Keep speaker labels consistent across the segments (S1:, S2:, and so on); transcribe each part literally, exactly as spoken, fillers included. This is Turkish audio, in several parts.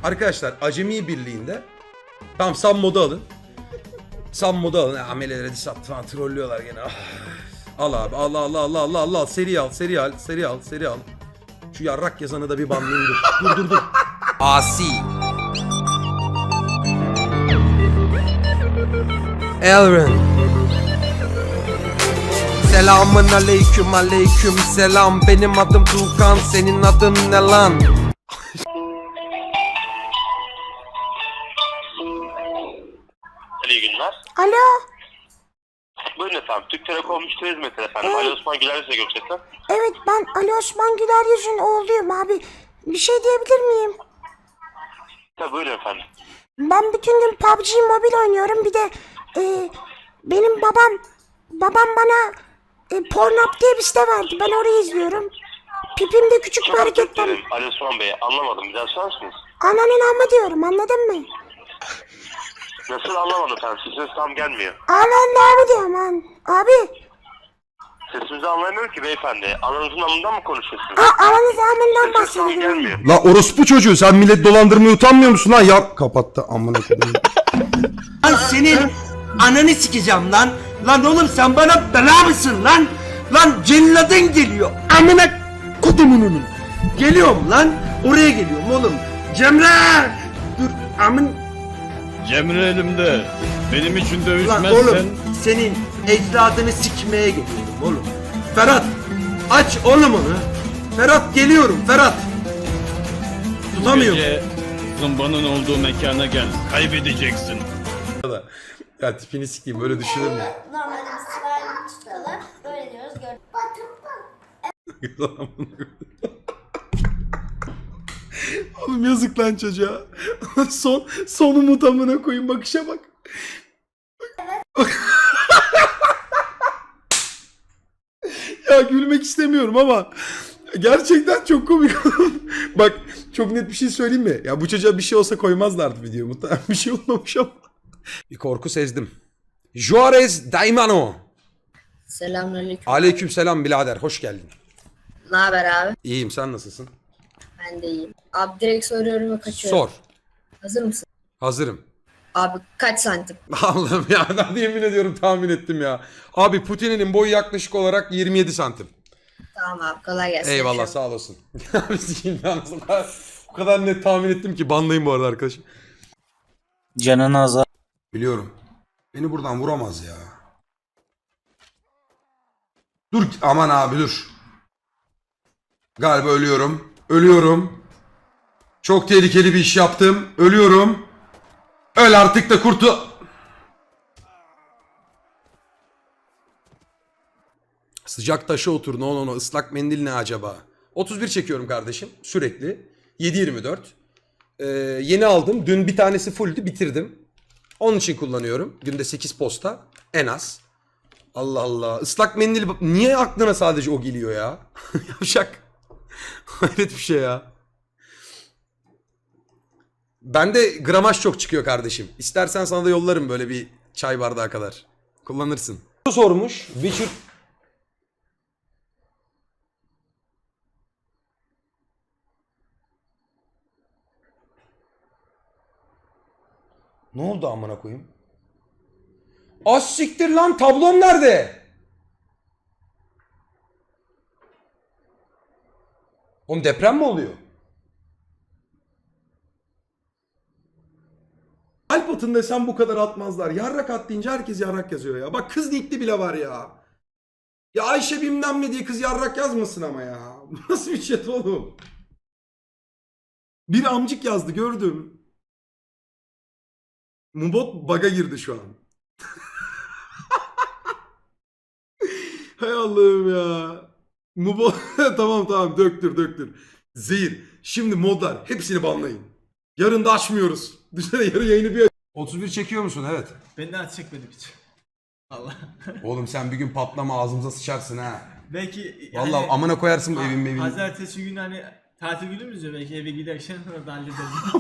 S1: Arkadaşlar Acemi Birliği'nde tamam Sam modu alın. Sam modu alın. Amelelere diss attı falan trollüyorlar gene. Ah. Al abi al al al al al al seri al seri al seri al seri al. Şu yarrak yazanı da bir banlayayım dur. Dur dur dur. Asi. Elren. Selamın aleyküm aleyküm selam. Benim adım Tuğkan, senin adın ne lan?
S2: İyi günler.
S3: Alo.
S2: Buyurun efendim. Türk Telekom müşteri hizmeti efendim.
S3: Evet.
S2: Ali Osman Güler size görüşecekler.
S3: Evet, ben Ali Osman Güler Yüz'ün oğluyum abi. Bir şey diyebilir miyim?
S2: Tabii buyurun efendim.
S3: Ben bütün gün P U B G Mobile oynuyorum. Bir de e, benim babam babam bana e, Pornhub diye bir site verdi. Ben orayı izliyorum. Pipimde küçük bir
S2: Çok özür
S3: hareket var.
S2: dilerim Ali Osman Bey. Anlamadım. Bir daha söyler misiniz?
S3: Ananın amma diyorum, anladın mı?
S2: Nasıl anlamadım efendim? Sesiniz tam gelmiyor.
S3: Ananın amma diyorum an. Abi.
S2: Sesinizi anlayamıyorum ki beyefendi. Ananızın amından mı konuşuyorsunuz?
S3: A, ananız amından
S2: Sesiniz tam
S3: bahsediyorum.
S2: gelmiyor.
S1: La orospu çocuğu sen millet dolandırmaya utanmıyor musun lan ya? Kapattı amına koyayım.
S4: Lan senin ananı sikeceğim lan. Lan oğlum sen bana bela mısın lan? Lan celladın geliyor. Amına kodumunun. Geliyorum lan. Oraya geliyorum oğlum. Cemre! Dur amın.
S5: Cemre elimde. Benim için
S4: Lan
S5: dövüşmezsen...
S4: oğlum senin ecdadını sikmeye geliyorum oğlum. Ferhat aç oğlum onu. Ferhat geliyorum Ferhat. Tutamıyorum.
S5: Gece zımbanın olduğu mekana gel. Kaybedeceksin.
S1: Ya tipini sikeyim böyle düşünür mü?
S6: Normalde biz sırayla tutalım. Böyle diyoruz. Gör.
S1: Oğlum yazık lan çocuğa. Son sonu mutamına koyun bakışa bak. Ya gülmek istemiyorum ama gerçekten çok komik. Bak çok net bir şey söyleyeyim mi? Ya bu çocuğa bir şey olsa koymazlardı video. Muhtemelen bir şey olmamış ama. Bir korku sezdim. Juarez Daimano.
S7: Selamünaleyküm.
S1: Aleykümselam birader, hoş geldin.
S7: Ne haber abi?
S1: İyiyim, sen nasılsın?
S7: Ben de iyiyim. Abi direkt soruyorum ve kaçıyorum.
S1: Sor.
S7: Hazır mısın?
S1: Hazırım.
S7: Abi kaç santim?
S1: Allah'ım ya, ben yemin ediyorum tahmin ettim ya. Abi Putin'in boyu yaklaşık olarak yirmi yedi santim.
S7: Tamam abi, kolay gelsin.
S1: Eyvallah,
S7: Akşam.
S1: sağ olasın. Abi sikeyim ben o kadar, o kadar net tahmin ettim ki banlayın bu arada arkadaşım.
S8: Canın azar.
S1: Biliyorum. Beni buradan vuramaz ya. Dur aman abi dur. Galiba ölüyorum. Ölüyorum. Çok tehlikeli bir iş yaptım. Ölüyorum. Öl artık da kurtu. Sıcak taşa otur. No no no. Islak mendil ne acaba? otuz bir çekiyorum kardeşim. Sürekli. yedi yirmi dört. Ee, yeni aldım. Dün bir tanesi fulldü. Bitirdim. Onun için kullanıyorum. Günde sekiz posta. En az. Allah Allah. Islak mendil. Niye aklına sadece o geliyor ya? Yavşak. Hayret bir şey ya. Bende gramaj çok çıkıyor kardeşim. İstersen sana da yollarım böyle bir çay bardağı kadar. Kullanırsın. Sormuş. Witcher... Ne oldu amına koyayım? Az siktir lan, tablom nerede? Oğlum deprem mi oluyor? Alp atın desem bu kadar atmazlar. Yarrak at deyince herkes yarrak yazıyor ya. Bak kız nickli bile var ya. Ya Ayşe bilmem ne diye kız yarrak yazmasın ama ya. Bu nasıl bir chat oğlum? Bir amcık yazdı gördüm. Mubot bug'a girdi şu an. Hay Allah'ım ya. Mubot tamam tamam döktür döktür. Zehir. Şimdi modlar hepsini banlayın. Yarın da açmıyoruz. Düşünsene yarın yayını bir otuz bir çekiyor musun? Evet.
S9: Ben daha çekmedim hiç. Allah.
S1: Oğlum sen bir gün patlama ağzımıza sıçarsın ha.
S9: Belki yani,
S1: Vallahi amına koyarsın bu evin mevin.
S9: Pazartesi günü hani tatil günümüz ya, belki eve giderken orada hallederiz.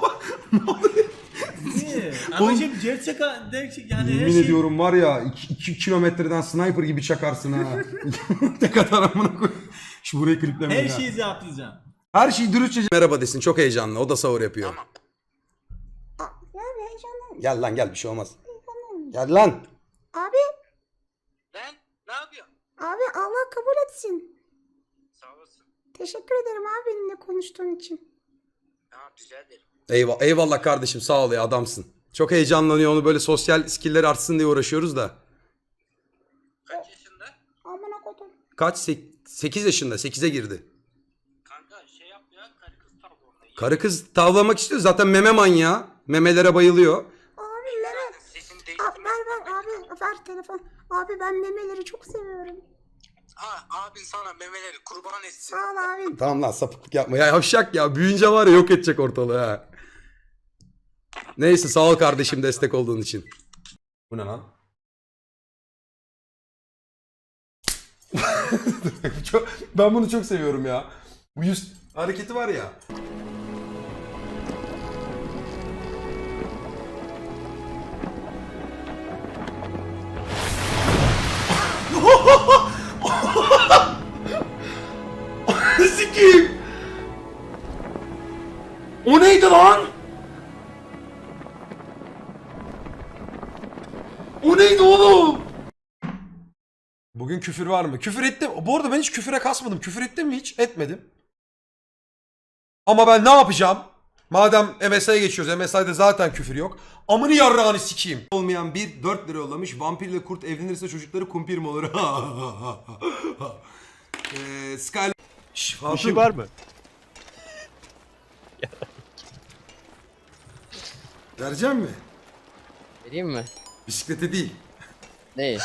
S9: Niye? Ama şimdi gerçek gerçek yani
S1: Yemin
S9: her şey...
S1: ediyorum var ya iki kilometreden sniper gibi çakarsın ha. Ne kadar amına koy. Şu burayı kliplemeyin
S9: Her
S1: ha.
S9: şeyi yapacağım.
S1: Her şeyi dürüstçe merhaba desin. Çok heyecanlı. O da sahur yapıyor.
S3: Ya bir heyecanlıyım.
S1: Gel lan gel bir şey olmaz. Gel lan.
S3: Abi.
S4: Lan ne yapıyorsun?
S3: Abi Allah kabul etsin.
S4: Sağ olasın.
S3: Teşekkür ederim abi benimle konuştuğun için.
S4: Tamam rica ederim.
S1: Eyvallah, eyvallah kardeşim sağ ol ya adamsın. Çok heyecanlanıyor onu böyle sosyal skill'leri artsın diye uğraşıyoruz da.
S4: Kaç yaşında?
S3: Amına kodum.
S1: Kaç? sekiz yaşında. sekize girdi.
S4: Kanka şey yap ya karı kız tavrı.
S1: Karı kız tavlamak istiyor. Zaten meme manyağı. Memelere bayılıyor.
S3: Abi meme.
S4: Sesin
S3: Aa,
S4: değişti.
S3: ver ver abi ver telefon. Abi ben memeleri çok seviyorum.
S4: Ha abin sana memeleri kurban etsin.
S3: Sağ ol abi.
S1: Tamam lan sapıklık yapma. Ya yavşak ya. Büyüyünce var ya yok edecek ortalığı ha. Neyse sağ ol kardeşim destek olduğun için. Bu ne lan? Çok- ben bunu çok seviyorum ya. Bu yüz hareketi var ya. Sikiyim. O neydi lan? O neydi oğlum? Bugün küfür var mı? Küfür ettim. Bu arada ben hiç küfüre kasmadım. Küfür ettim mi hiç? Etmedim. Ama ben ne yapacağım? Madem M S I'ye geçiyoruz. M S I'de zaten küfür yok. Amını yarrağını sikeyim. Olmayan bir dört lira yollamış. Vampirle kurt evlenirse çocukları kumpir mi olur? Eee Sky... Şş,
S5: Bir şey var mı?
S1: Vereceğim mi?
S10: Vereyim mi?
S1: Bisiklete değil.
S10: Neyi?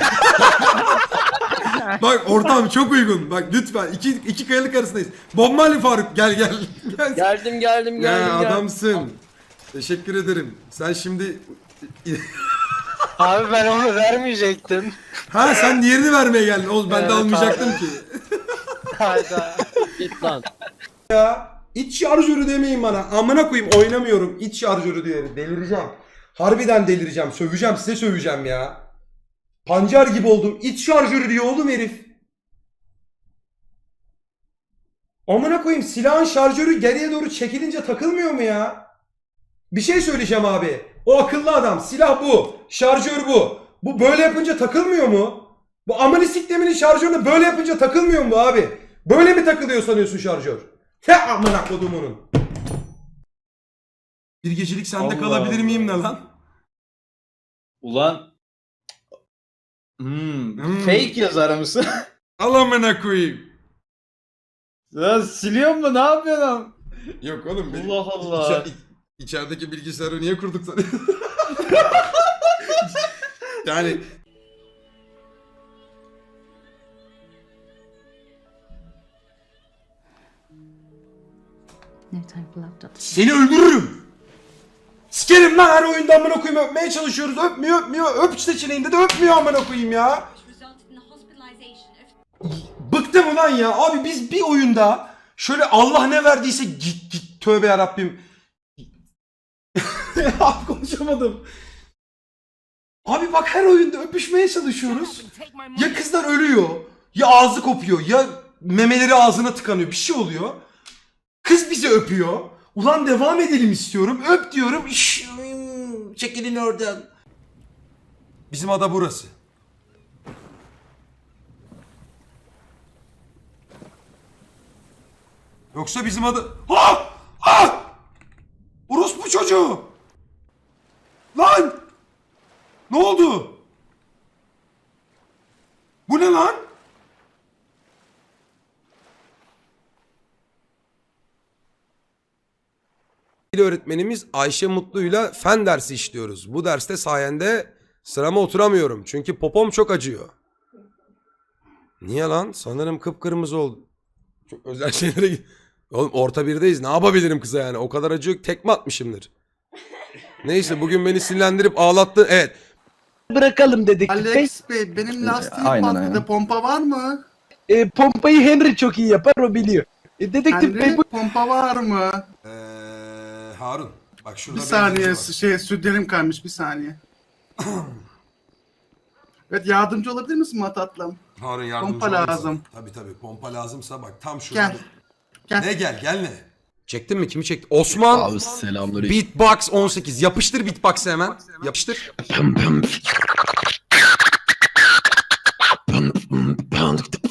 S1: Bak ortam çok uygun. Bak lütfen iki, iki kayalık arasındayız. Bob Marley Faruk gel gel. gel.
S10: Geldim geldim
S1: Ya
S10: geldim. geldim.
S1: adamsın. Teşekkür ederim. Sen şimdi...
S10: Abi ben onu vermeyecektim.
S1: Ha sen diğerini vermeye geldin. Oğlum ben de
S10: Evet,
S1: almayacaktım
S10: abi.
S1: ki.
S10: Hayda. Git lan.
S1: Ya iç şarjörü demeyin bana. Amına koyayım oynamıyorum. İç şarjörü diyorum. Delireceğim. Harbiden delireceğim. Söveceğim size söveceğim ya. Pancar gibi oldum. İç şarjörü diyor oğlum herif. Amına koyayım silahın şarjörü geriye doğru çekilince takılmıyor mu ya? Bir şey söyleyeceğim abi. O akıllı adam. Silah bu. Şarjör bu. Bu böyle yapınca takılmıyor mu? Bu amını sikleminin şarjörünü böyle yapınca takılmıyor mu abi? Böyle mi takılıyor sanıyorsun şarjör? He amına kodumunun. Bir gecelik sende
S5: Allah
S1: kalabilir
S5: Allah.
S1: miyim ne lan?
S5: Ulan. Hmm.
S1: Hmm.
S5: Fake yazar mısın?
S1: Al amına koyayım.
S5: Ya siliyor mu? Ne yapıyorsun lan?
S1: Yok oğlum. benim-
S5: Allah Allah.
S1: İçer- iç- içerideki bilgisayarı niye kurduk sanıyorsun? yani... Seni öldürürüm. Sikerim lan her oyunda amına koyayım öpmeye çalışıyoruz. Öpmüyor öpmüyor. Öp seçeneğinde de öpmüyor amına koyayım ya. Bıktım ulan ya. Abi biz bir oyunda şöyle Allah ne verdiyse git git tövbe yarabbim. Abi konuşamadım. Abi bak her oyunda öpüşmeye çalışıyoruz. Ya kızlar ölüyor. Ya ağzı kopuyor. Ya memeleri ağzına tıkanıyor. Bir şey oluyor. Kız bizi öpüyor. Ulan devam edelim istiyorum. Öp diyorum. İş, çekilin oradan. Bizim ada burası. Yoksa bizim ada... Ha! Ha! Orospu çocuğu! Lan! Ne oldu? Bu ne lan? Öğretmenimiz Ayşe Mutlu'yla fen dersi işliyoruz. Bu derste sayende sırama oturamıyorum. Çünkü popom çok acıyor. Niye lan? Sanırım kıpkırmızı oldu. Çok özel şeylere git. Oğlum orta birdeyiz. Ne yapabilirim kıza yani? O kadar acıyor ki tekme atmışımdır. Neyse bugün beni sinirlendirip ağlattı. Evet.
S10: Bırakalım dedik.
S11: Alex Bey benim lastiğim
S10: Aynen,
S11: patladı.
S10: aynen.
S11: Pompa var mı?
S10: E, pompayı Henry çok iyi yapar o biliyor. E, dedektif
S11: Henry pompa var mı?
S1: Ee, Harun. Bak şurada
S11: Bir saniye
S1: benzin var.
S11: şey sütlerim kaymış bir saniye. Evet yardımcı olabilir misin Matatlım?
S1: Harun yardımcı
S11: Pompa
S1: olursa.
S11: lazım.
S1: Tabii tabii pompa lazımsa bak tam şurada.
S11: Gel. Gel.
S1: Ne gel gel ne? Çektin mi? Kimi çekti? Osman.
S10: Abi selamünaleyküm.
S1: Beatbox on sekiz. Yapıştır beatbox'ı hemen. Yapıştır.